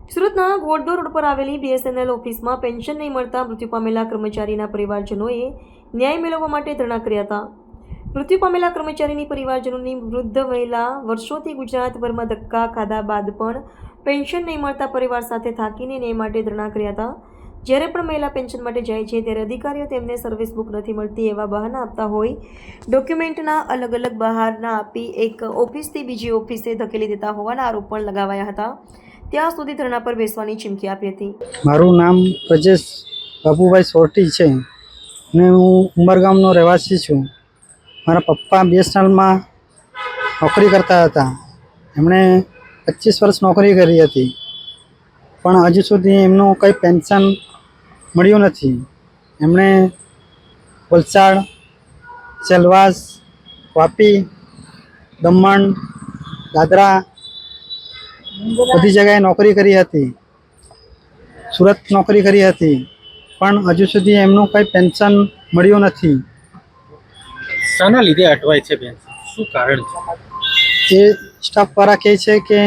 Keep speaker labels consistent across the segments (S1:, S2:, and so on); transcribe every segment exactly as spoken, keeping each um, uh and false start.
S1: સુરતના ઘોડદોર રોડ પર આવેલી બીએસએનએલ ઓફિસમાં પેન્શન નહીં મળતા મૃત્યુ પામેલા કર્મચારીના પરિવારજનોએ ન્યાય મેળવવા માટે ધરણા કર્યા હતા. મૃત્યુ પામેલા કર્મચારીની પરિવારજનોની વૃદ્ધ મહિલા વર્ષોથી ગુજરાતભરમાં ધક્કા ખાધા બાદ પણ પેન્શન નહીં મળતા પરિવાર સાથે થાકીને ન્યાય માટે ધરણા કર્યા હતા. જ્યારે પણ મહિલા પેન્શન માટે જાય છે ત્યારે અધિકારીઓ તેમને સર્વિસ બુક નથી મળતી એવા બહાના આપતા હોય ડોક્યુમેન્ટના અલગ અલગ બહાના આપી એક ઓફિસથી બીજી ઓફિસે ધકેલી દેતા હોવાના આરોપ પણ લગાવાયા હતા. ત્યાં સુધી ધરણા પર બેસવાની ચીમકી આપી હતી.
S2: મારું નામ પ્રજેશ બાબુભાઈ સોરટી છે અને હું ઉમરગામનો રહેવાસી છું. મારા પપ્પા બીએસએનએલમાં નોકરી કરતા હતા. એમણે પચીસ વર્ષ નોકરી કરી હતી, પણ હજુ સુધી એમનું કંઈ પેન્શન મળ્યું નથી. એમણે વલસાડ, સેલવાસ, વાપી, દમણ, દાદરા બધી જગ્યાએ નોકરી કરી હતી. સુરત નોકરી કરી હતી, પણ હજુ સુધી એમનું કંઈ પેન્શન મળ્યું નથી.
S3: શાના લીધે અટવાય છે બેન? શું કારણ છે?
S2: એ સ્ટાફવાળા કહે છે કે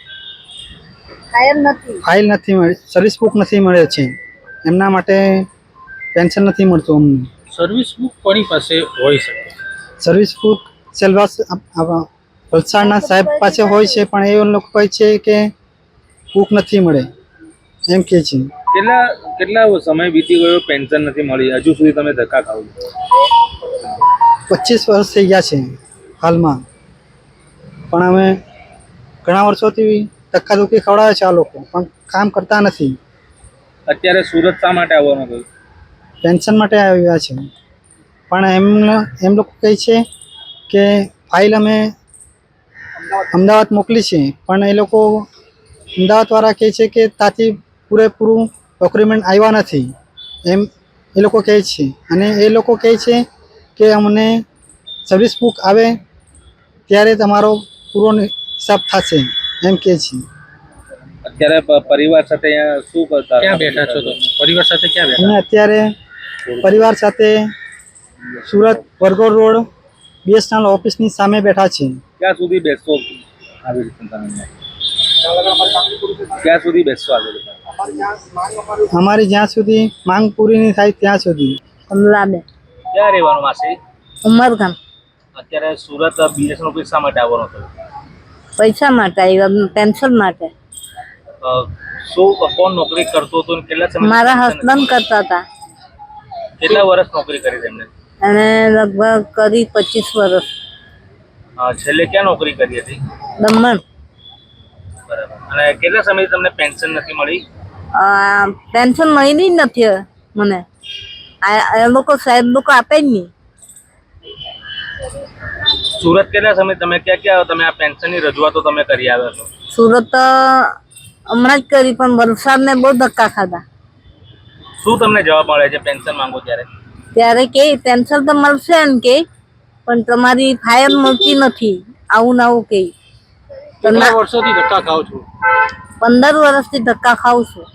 S2: ફાઇલ નથી મળી, સર્વિસ બુક નથી મળે છે, એમના માટે પેન્શન નથી મળતું અમને.
S3: સર્વિસ બુક કોની પાસે હોઈ શકે?
S2: સર્વિસ બુક સેલવાસ વલસાડના સાહેબ પાસે હોય છે, પણ એ લોકો કહે છે કે બુક નથી મળે એમ કહે છે.
S3: કેટલા કેટલા સમય વીતી ગયો, પેન્શન નથી મળી, હજુ સુધી તમે ધક્કા ખાવ છો?
S2: પચીસ વર્ષ થઈ ગયા છે હાલમાં, પણ અમે ઘણા વર્ષોથી ધક્કાધુક્કી ખવડાવે છે આ લોકો, પણ કામ કરતા નથી.
S3: અત્યારે સુરત શા માટે આવવાનું થયું?
S2: પેન્શન માટે આવ્યા છે, પણ એમ એમ લોકો કહે છે કે ફાઇલ અમે અમદાવાદ મોકલી છે, પણ એ લોકો અમદાવાદવાળા કહે છે કે ત્યાંથી પૂરેપૂરું ડોક્યુમેન્ટ આવ્યા નથી એમ એ લોકો કહે છે. અને એ લોકો કહે છે કે અમને સર્વિસ બુક આવે ત્યારે તમારો પૂરો હિસાબ થશે એમ કહે છે.
S3: અત્યારે પ- પરિવાર સાથે અહીંયા શું કરતા? ક્યાં બેઠા છો તમે? પરિવાર સાથે ક્યાં બેઠા?
S2: અમે અત્યારે પરિવાર સાથે સુરત વરગોડ રોડ બીએસએનએલ ઓફિસની સામે બેઠા છીએ.
S3: ક્યાં સુધી બેસશો આવી રીતે તમે? ક્યાં સુધી બેસશો આવી રીતે?
S2: અમારી જ્યાં સુધી માંગ પૂરી નહીં થાય ત્યાં સુધી.
S4: કમલાબેન
S3: ક્યાં રહેવાનું માસી?
S4: ઉમરગામ.
S3: અત્યારે સુરત બીએસએન ઓફિસ શા માટે આવવાનું થયું?
S4: પૈસા માટે આવ્યા, પેન્શન માટે.
S3: અ, શું કોણ નોકરી કરતો હતો અને કેટલા સમય?
S4: મારા હસબન્ડ કરતા હતા
S3: કેટલા વર્ષ નોકરી કરી તેમને?
S4: અને લગભગ કરી પચીસ વર્ષ.
S3: અ, છેલ્લે ક્યાં નોકરી કરી હતી?
S4: દમણ.
S3: બરાબર. અને કેટલા સમયથી તમને પેન્શન નથી મળી?
S4: આ પેન્શન મળી જ નથી હવે મને. આ એ લોકો સાહેબ લોકો આપે જ નહીં.
S3: સુરત કેટલા સમય તમે ક્યાં ક્યાં તમે આ પેન્શનની રજૂઆતો તમે કરી આવ્યા છો?
S4: સુરત તો હમણાં જ કરી, પણ વલસાડને બહુ ધક્કા ખાધા.
S3: શું તમને જવાબ મળે છે પેન્શન માંગો ત્યારે?
S4: ત્યારે કે પેન્શન તો મળશે એમ કે, પણ તમારી ફાયર મળતી નથી, આવું ને આવું કે.
S3: કેટલા વર્ષોથી ધક્કા ખાવ છો?
S4: પંદર વર્ષથી ધક્કા ખાઉં છું.